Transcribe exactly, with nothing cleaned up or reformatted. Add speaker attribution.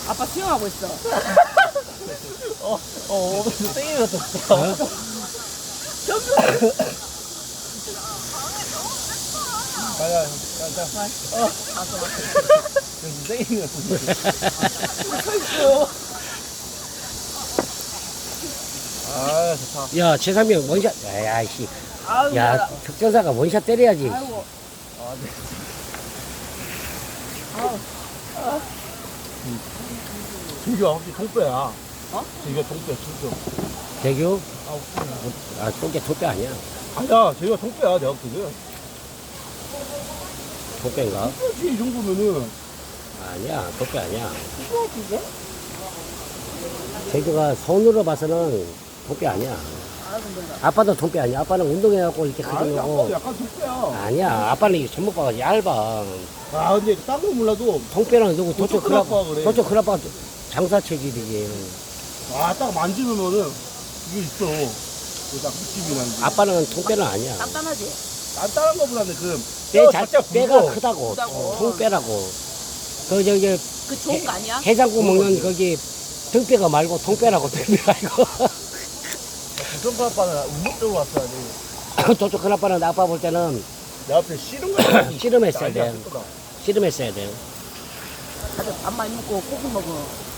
Speaker 1: 아빠 수영하고 있어.
Speaker 2: 어, 어, 오늘 땡이 같았어.
Speaker 3: 어?
Speaker 2: 가자, 가자. 어,
Speaker 1: 가서.
Speaker 2: 땡이 같았어. 아, 좋다.
Speaker 3: 야, 최상명 원샷. 야, 씨.
Speaker 1: 아유,
Speaker 3: 야,
Speaker 1: 야.
Speaker 3: 특전사가 원샷 때려야지.
Speaker 1: 아이고.
Speaker 2: 아, 네.
Speaker 1: 아우.
Speaker 2: 진규야, 혹시 동뼈야?
Speaker 1: 어?
Speaker 2: 진규가 동뼈, 진규.
Speaker 3: 대교?
Speaker 2: 아,
Speaker 3: 아, 똥개 토뼈 아니야.
Speaker 2: 아니야, 저희가 동뼈야, 내가 그게.
Speaker 3: 토뼈인가?
Speaker 2: 그렇지, 이 정도면은.
Speaker 3: 아니야, 토뼈 아니야.
Speaker 1: 뭐야, 이게?
Speaker 3: 대교가 손으로 봐서는 토뼈 아니야.
Speaker 1: 아, 근데.
Speaker 3: 아빠도 토뼈 아니야. 아빠는 운동해갖고 이렇게
Speaker 2: 아니,
Speaker 3: 크게
Speaker 2: 아빠도
Speaker 3: 하고.
Speaker 2: 약간 동뼈야.
Speaker 3: 아니야, 아빠는 이게 전목 봐가 얇아.
Speaker 2: 아, 근데 딴 건 몰라도.
Speaker 3: 통뼈는 누구 도쪽
Speaker 2: 도쪽 큰아빠가
Speaker 3: 큰아빠,
Speaker 2: 그래.
Speaker 3: 도쪽 큰아빠 장사 체질이지.
Speaker 2: 아, 딱 만지면은 이게 있어. 그딱 느낌이 나는 게.
Speaker 3: 아빠는 통뼈는 아니야.
Speaker 1: 단단하지?
Speaker 2: 단단한 거보다는 그
Speaker 3: 뼈
Speaker 2: 뼈
Speaker 3: 자,
Speaker 2: 자체가
Speaker 3: 뼈가
Speaker 2: 굵어.
Speaker 3: 크다고.
Speaker 1: 크다고.
Speaker 3: 통뼈라고. 그 저기
Speaker 1: 그 좋은 거 아니야?
Speaker 3: 해장국 먹는 거기 등뼈가 말고 통뼈라고 등뼈 말고.
Speaker 2: 부선 아빠는 운동적으로 왔어야지.
Speaker 3: 도쪽 큰아빠는 아빠 볼 때는
Speaker 2: 내 앞에 씨름 거야.
Speaker 3: 씨름했어야 돼. 씨름했어야 돼.
Speaker 1: 다들 밥 많이 먹고 고기 먹어.